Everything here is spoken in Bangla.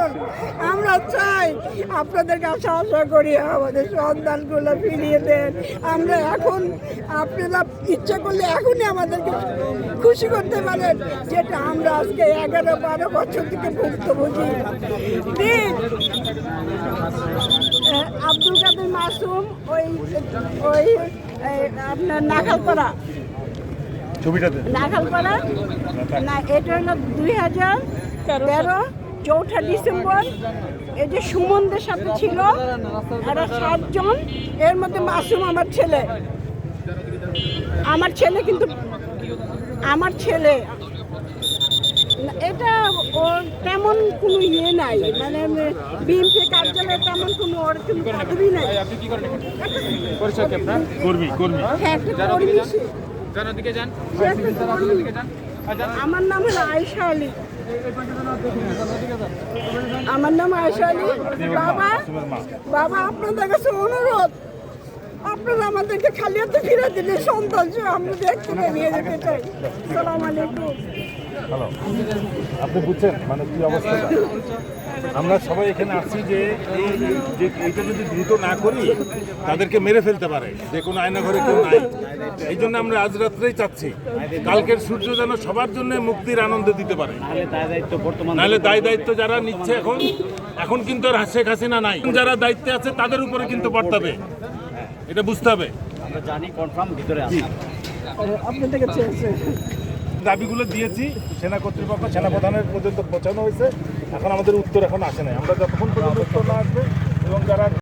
করুন। আমরা চাই আপনাদের কাছে আশা করি আমাদের সন্তানগুলো ফিরিয়ে দেন। আমরা এখন আপনারা ইচ্ছে করলে এখনই আমাদেরকে খুশি করতে পারেন, যেটা আমরা আজকে 11-12 বছর থেকে ভুক্তভোগী। প্লিজ আব্দুল কাদের মাসুম, ওই ওই আপনার নাখালপাড়া না, এটা হলো 2013 4 ডিসেম্বর। এই যে সুমনদের সাথে ছিল এরা 7 জন, এর মধ্যে মাসুম আমার ছেলে কিন্তু আমার ছেলে এটা ওর তেমন কোনো ইয়ে নাই, মানে বিএনপি কার্যালয়ে তেমন কোনো ওর কোনো পদবি নাই। হ্যাঁ, একটা কর্মী সে। আমার নাম হলো আয়েশা আলী। বাবা আপনাদের কাছে অনুরোধ, আপনারা আমাদেরকে খালি হাতে ফিরে দিলে সন্তান আমরা দেখতে নিয়ে যেতে চাই। আসসালামু আলাইকুম। হ্যালো, আপনি বুঝছেন মানে কি অবস্থা? আমরা সবাই এখানে আসছি যে এইটা যদি দ্রুত না করি তাদেরকে মেরে ফেলতে পারে, যে কোনো আয়নাঘরে কেউ নাই। এই জন্য আমরা আজ রাত্রেই চাচ্ছি কালকের সূর্য যেন সবার জন্য মুক্তির আনন্দ দিতে পারে। নাহলে দায় দায়িত্ব যারা নিচ্ছে এখন কিন্তু আর শেখ হাসিনা নাই, যারা দায়িত্বে আছে তাদের উপরে কিন্তু বর্তাবে, এটা বুঝতে হবে। আমরা জানি কনফার্ম ভিতরে আছে। আপনাদের কাছে আছে দাবিগুলো দিয়েছি, সেনা কর্তৃপক্ষ সেনাপ্রধানের পর্যন্ত পৌঁছানো হয়েছে। এখন আমাদের উত্তর এখন আসে নাই। আমরা যতক্ষণ পর্যন্ত উত্তর না আসবে এবং যারা